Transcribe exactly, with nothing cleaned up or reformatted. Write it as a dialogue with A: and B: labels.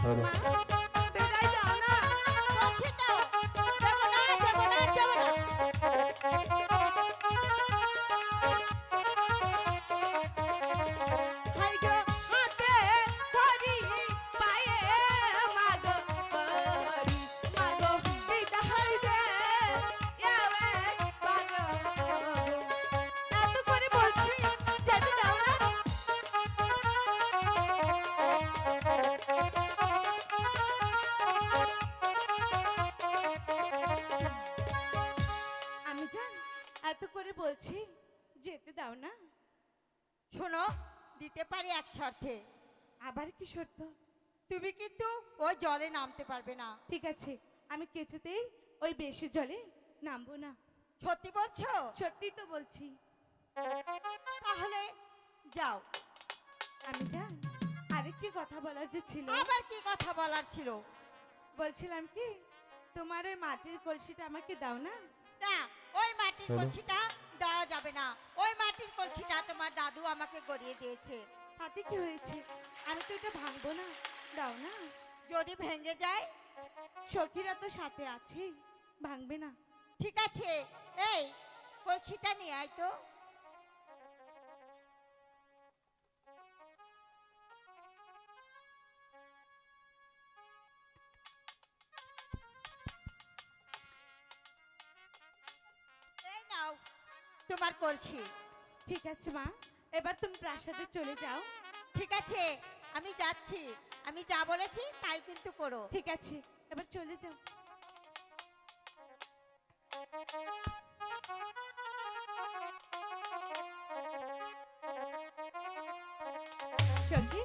A: ধরো।
B: মা বেড়াই দাও না।
C: বলছি তো দেবো না দেবো না দেবো না।
B: হাই গো হাতে ধরি পায়ে মাগো পরি মাগো বিদায় দে ইয়াবে মাগো এত করে বলছি যেতে দাও না। আমি জান এত করে বলছি যেতে দাও না।
C: শোনো, দিতে পারি এক শর্তে।
B: আবার কি শর্ত?
C: তুমি কিন্তু ওই জলে নামতে পারবে না।
B: ঠিক আছে, আমি কিছুতেই ওই বেশি জলে নামবো না।
C: সত্যি বলছো?
B: সত্যি তো বলছি।
C: তাহলে যাও।
B: আমি জান আরেকটি কথা বলার যে ছিল,
C: আবার কি কথা বলার ছিল?
B: বলছিলাম কি তোমার ওই মাটির কলসিটা আমাকে দাও না।
C: না, ওই মাটির
A: চলো।
C: কলসিটা দেওয়া যাবে না। ওই মাটির কলসিটা তোমার দাদু আমাকে গড়িয়ে দিয়েছে।
B: তাতে কি হয়েছে? আমি তো এটা ভাঙবো না, দাও না।
C: যদি ভেঙে যায়?
B: সখীরা তো সাথে আছে, ভাঙবে না।
C: ঠিক আছে, এই কলসিটা নিয়ে আয় তো। এই নাও তোমার কলসি।
B: ঠিক আছে মা, এবার তুমি প্রাসাদে চলে যাও।
C: ঠিক আছে, আমি যাচ্ছি। আমি যা বলেছি তাই কিন্তু করো।
B: ঠিক আছে, এবার চলে যাও। সখী